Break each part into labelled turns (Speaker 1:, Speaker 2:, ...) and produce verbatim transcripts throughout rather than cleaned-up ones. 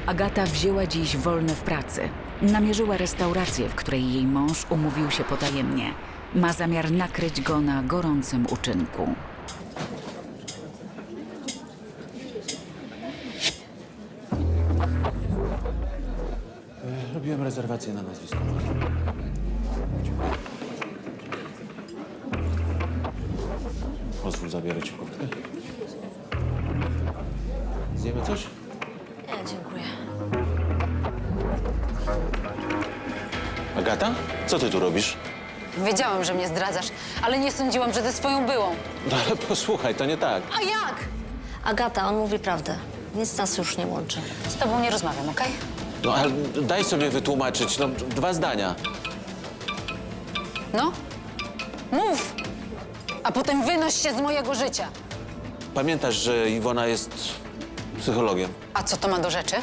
Speaker 1: Agata wzięła dziś wolne w pracy. Namierzyła restaurację, w której jej mąż umówił się potajemnie. Ma zamiar nakryć go na gorącym uczynku.
Speaker 2: Robiłem rezerwację na nazwisko. Pozwól, zabiorę ci kurtkę. Zjemy coś?
Speaker 3: Nie, dziękuję.
Speaker 2: Agata? Co ty tu robisz?
Speaker 3: Wiedziałam, że mnie zdradzasz, ale nie sądziłam, że ze swoją byłą.
Speaker 2: No ale posłuchaj, to nie tak.
Speaker 3: A jak?
Speaker 4: Agata, on mówi prawdę. Nic nas już nie łączy.
Speaker 3: Z tobą nie rozmawiam, okej?
Speaker 2: No ale daj sobie wytłumaczyć, no dwa zdania.
Speaker 3: No? Mów! A potem wynoś się z mojego życia.
Speaker 2: Pamiętasz, że Iwona jest psychologiem?
Speaker 3: A co to ma do rzeczy?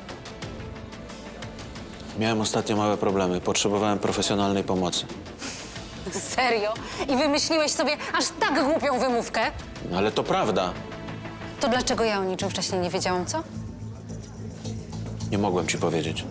Speaker 2: Miałem ostatnio małe problemy. Potrzebowałem profesjonalnej pomocy.
Speaker 3: Serio? I wymyśliłeś sobie aż tak głupią wymówkę?
Speaker 2: No ale to prawda.
Speaker 3: To dlaczego ja o niczym wcześniej nie wiedziałam, co?
Speaker 2: Nie mogłem ci powiedzieć.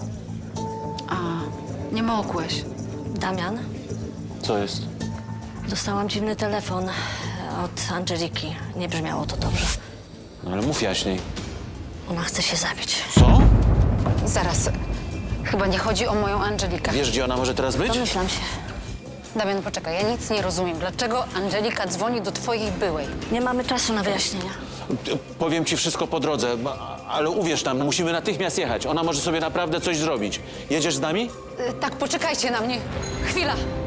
Speaker 3: Nie mogłeś.
Speaker 4: Damian,
Speaker 2: Co jest?
Speaker 4: dostałam dziwny telefon od Angeliki. Nie brzmiało to dobrze.
Speaker 2: No ale mów jaśniej.
Speaker 4: Ona chce się zabić.
Speaker 2: Co?
Speaker 3: Zaraz. Chyba nie chodzi o moją Angelikę.
Speaker 2: Wiesz, gdzie ona może teraz być?
Speaker 4: Domyślam się.
Speaker 3: Damian, poczekaj, ja nic nie rozumiem. Dlaczego Angelika dzwoni do twojej byłej?
Speaker 4: Nie mamy czasu na wyjaśnienia.
Speaker 2: Powiem ci wszystko po drodze, ba- ale uwierz nam, musimy natychmiast jechać. Ona może sobie naprawdę coś zrobić. Jedziesz z nami?
Speaker 3: Y, tak, poczekajcie na mnie. Chwila.